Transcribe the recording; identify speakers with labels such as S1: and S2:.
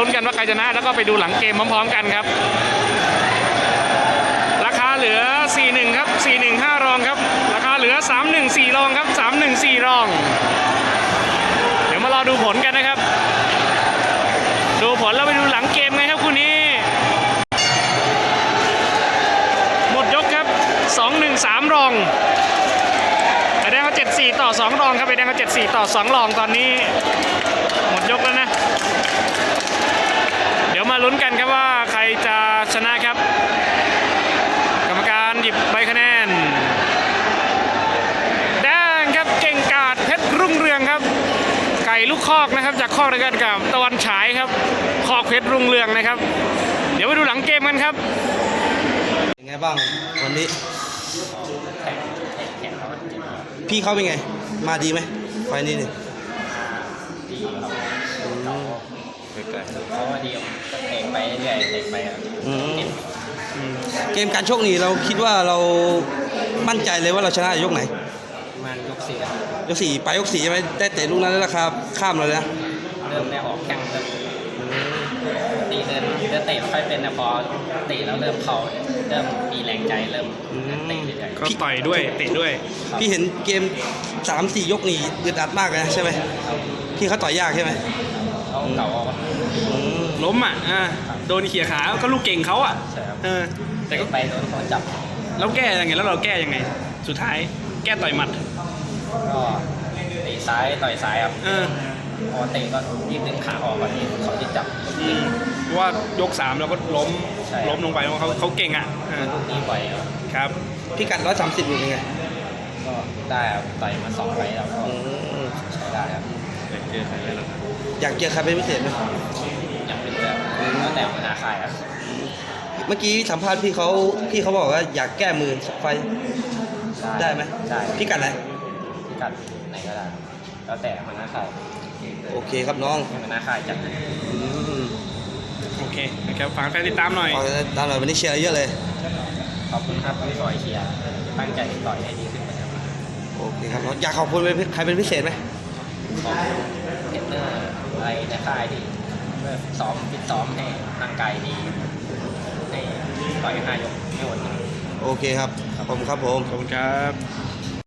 S1: ลุ้นกันว่าใครชนะแล้วก็ไปดูหลังเกมพร้อมๆกันครับราคาเหลือ41ครับ415รองครับราคาเหลือ314รองครับ314รองเดี๋ยวมารอดูผลกันนะครับดูผลแล้วไปดูหลังเกมไงครับคู่นี้หมดยกครับ213รองไอแดงเขา74ต่อ2รองครับไอแดงเขา74ต่อ2รองตอนนี้หมดยกแล้วนะเดี๋ยวมาลุ้นกันครับว่าใครจะชนะครับกรรมการหยิบใบคะแนนแดงครับเก่งกาจเพชรรุ่งเรืองครับไก่ลูกคอกนะครับจากคอกเดียวกันกับตะวันฉายครับคอกเพชรรุ่งเรืองนะครับเดี๋ยวไปดูหลังเกมกันครับ
S2: ยังไงบ้างวันนี้พี่เขาเป็นไงมาดีไหมไฟนี้เนี่ย
S3: ดีเขาว่าดีก็เตะไปเรื่อยๆเตะไปครับ
S2: เกมการชกนี่เราคิดว่าเรามั่นใจเลยว่าเราชนะยกไหน
S3: มันยกสี่
S2: ไปยก4ใช่ไหมได้เตะลูกนั้นแล้วราคาข้ามเราเลยนะ
S3: เริ่มได้ออกแข้งเลยตีเดินเตะไม่ค่อยเป็นแต่พอเตะแล้วเริ่มเขาเริ่มมีแรงใจเริ่มเตะเรื่อยๆ
S1: ก็ต่อยด้วยเตะด้วย
S2: พี่เห็นเกม 3-4 ยกนี่อึดอัดมากเลยนะใช่ไหมพี่เขาต่อยยากใช่ไหม
S3: เขาเก่า
S1: ล้มโดนเขี่ยขาก็ลูกเก่งเขา
S3: ใช่ครับ
S1: แต่ก็
S3: ไปโดนเขาจับ
S1: แล้วแก้ยังไงแล้วเราแก้ยังไงสุดท้ายแก้ต่อยหมัด
S3: ก็เตะซ้ายต่อยซ้ายครับพอเตะก็รีบดึงขาออกก่อนที่เขาจะจับ
S1: เพราะว่ายก3เราก็ล้มลงไปเพราะเขาเก่ง
S3: ลูกนี้ปล่อย
S2: ครับพี่กัด130อยู่ยังไง
S3: ก็ได้ครับต่อยมา2 ไฟล์แล้วก็ใช้ได้ครับ
S2: อยากเจอใครเป็นพิเศษไหม
S3: ยังไม่รู้แล้วแต่หัวหน้าค่ายครับ
S2: เมื่อกี้สัมภาษณ์พี่เขาบอกว่าอยากแก้มือไฟได้ไหม
S3: ได้
S2: พี่กัดไหน
S3: พี่กัดไหนก็ได้แล้วแต่หัวหน้าค่าย
S2: โอเคครับน้อง
S3: หัวหน้าค่ายจัด
S1: โอเคนะครับฝากแฟนติดตามหน่อย
S2: ตามหน่อยวันนี้เชียร์เยอะเลย
S3: ขอบคุณครับที่คอยเชียร์ตั้งใจต่อยให้ดีขึ้นนะครับ
S2: โอเคครับอยากขอบคุณใครเป็นพิเศษไหม
S3: ขอบเทรนเนอร์อะไรในค่ายดีเพื่อฟิตซ้อมให้ร่างกายดีให้ต่อย5 ยกไม่หมด
S2: โอเคครับขอบคุณครับผม
S1: ขอบคุณครับ